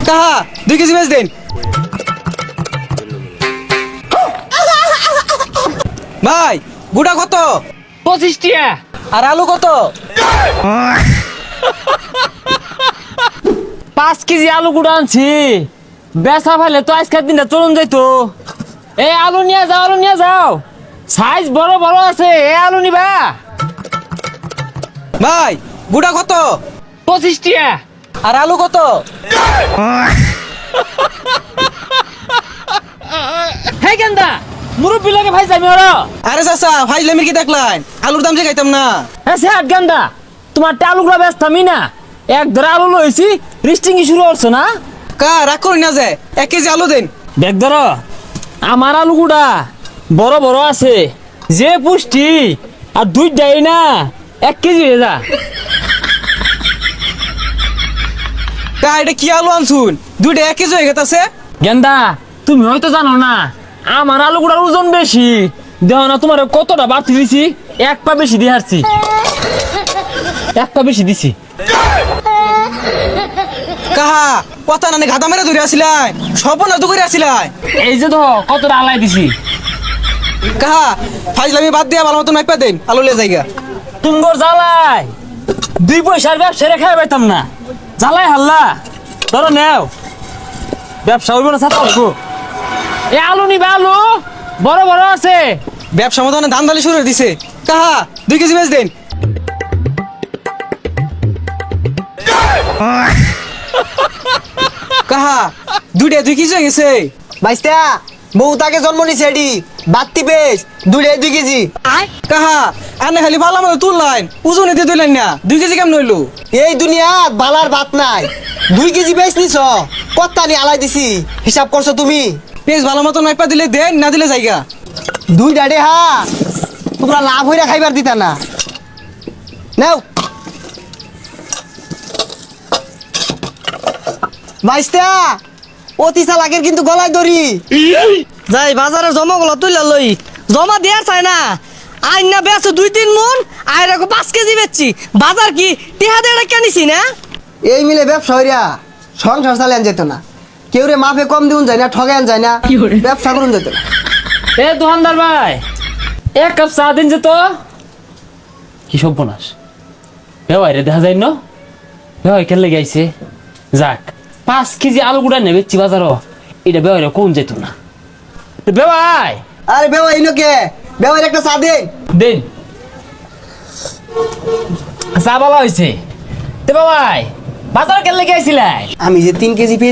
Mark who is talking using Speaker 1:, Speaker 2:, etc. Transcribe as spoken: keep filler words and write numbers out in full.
Speaker 1: কাহা দুই কেজি বেচ দেন। ভাই গুড়া কত?
Speaker 2: পঁচিশ টিয়া।
Speaker 1: আর আলু কত?
Speaker 2: পাঁচ কেজি আলু গুঁড়ো আনছি, বেচা ফেলে তো আজকের দিনটা চলুন যাইতো। এই আলু নিয়ে যাও, আলু নিয়ে যাও, সাইজ বড় বড় আছে। এ আলু নিবা?
Speaker 1: ভাই গুড়া কত?
Speaker 2: পঁচিশ টিয়া।
Speaker 1: আর আলু কত?
Speaker 2: হে গেন্দা, মুরব্বী লাগে ভাই যাবি ওরা।
Speaker 1: আরে চাচা ফাইজলামির কি দেখলেন? আলুর দাম যে খাইতাম না।
Speaker 2: হ্যাঁ সে গেন্দা, তোমার আলুগুলো ব্যস্ত আমি না, এক ধরে আলু লইছি, রিস্টিং শুরু করছো না?
Speaker 1: কা রাগ করি না, যে এক কেজি আলু দেন।
Speaker 2: দেখ ধর, আমার আলুগুড়া বড় বড় আছে, যে পুষ্টি, আর দুইটাই না এক কেজি হয়ে যা।
Speaker 1: কা এটা কি আলু আনছুন? দুইটা এক কেজি হয়ে গেছে।
Speaker 2: গেন্দা তুমি হয়তো জানো না, আমার আলুগুড়ার ওজন বেশি, দেহ না তোমার কতটা বাড়তি দিছি, এক পা বেশি দিয়ে হারছি, এক পা বেশি দিছি।
Speaker 1: কাহা কথা না গাদা মেরে ধরে আসিলাই, সব না তো করে আসিলাই।
Speaker 2: এই যে তো কতটা আলাই দিছি।
Speaker 1: কাহা ফাইজলামি বাদ দিয়া ভালো মতো নাইপা দেন, আলু লে জায়গা।
Speaker 2: তুমগর জ্বালাই দুই পয়সার ব্যবসা রেখে পাইতাম না, জ্বালাই হাল্লা। ধরো নেও, ব্যবসা হইব না ছাত্র হইব। এ আলু নিবে, আলু বড় বড় আছে।
Speaker 1: ব্যবসা মতো ধান দালি শুরু হয়ে দিছে। কাহা দুই কেজি বেচ দেন। কাহা দুইটা দুই কেজি হয়ে গেছে।
Speaker 3: বাইস্তা বউ তাকে জন্ম নিছে এডি বাত্তি পেস দুইটাই দুই কেজি।
Speaker 1: কাহা আনে খালি ভালো মতো তুললাইন, ওজনে দিয়ে তুললেন না, দুই কেজি কেমন হইলো?
Speaker 3: এই দুনিয়া বালার ভাত নাই, দুই কেজি বেচ নিছ, কত্তা নি আলাই দিছি, হিসাব করছো তুমি?
Speaker 1: পেঁচ ভালো মতো নাইপা দিলে দেন, না দিলে জায়গা।
Speaker 3: দুই ডাডে হা তোমরা লাভ হইরা খাইবার দিতা না। নাও বাইস্তা, অতি চালাকের কিন্তু গলায় দড়ি।
Speaker 4: যাই বাজারে জমা গুলো তুইলা লই, জমা দেওয়ার চাই না। আইন না বেছো দুই তিন মন, আর রাখো পাঁচ কেজি বেচছি। বাজার কি টিহা দিয়ে কেনিছি না?
Speaker 3: এই মিলে ব্যবসা হইরা সংসার চালান যেত না, কেউ রে মাফে কম দিউন যায় না, ঠগান যায় না, ব্যবসা করুন যেত না।
Speaker 2: এ দোকানদার ভাই, এক কাপ চা দিন যে তো। কি সর্বনাশ, বেওয়াই রে দেখা যায় ন, বেওয়াই খেলে গাইছে। যাক, পাঁচ কেজি আলু গুড়া নেবে বাজারও, এটা বেওয়াই রে কোন যেত না। বেওয়াই
Speaker 3: আরে বেওয়া ইনোকে বেওয়ার একটা চা দেন।
Speaker 2: দিন চা বলা হয়েছে। তে বাবাই বাজার কেলে গেছিলাই?
Speaker 3: আমি যে তিন কেজি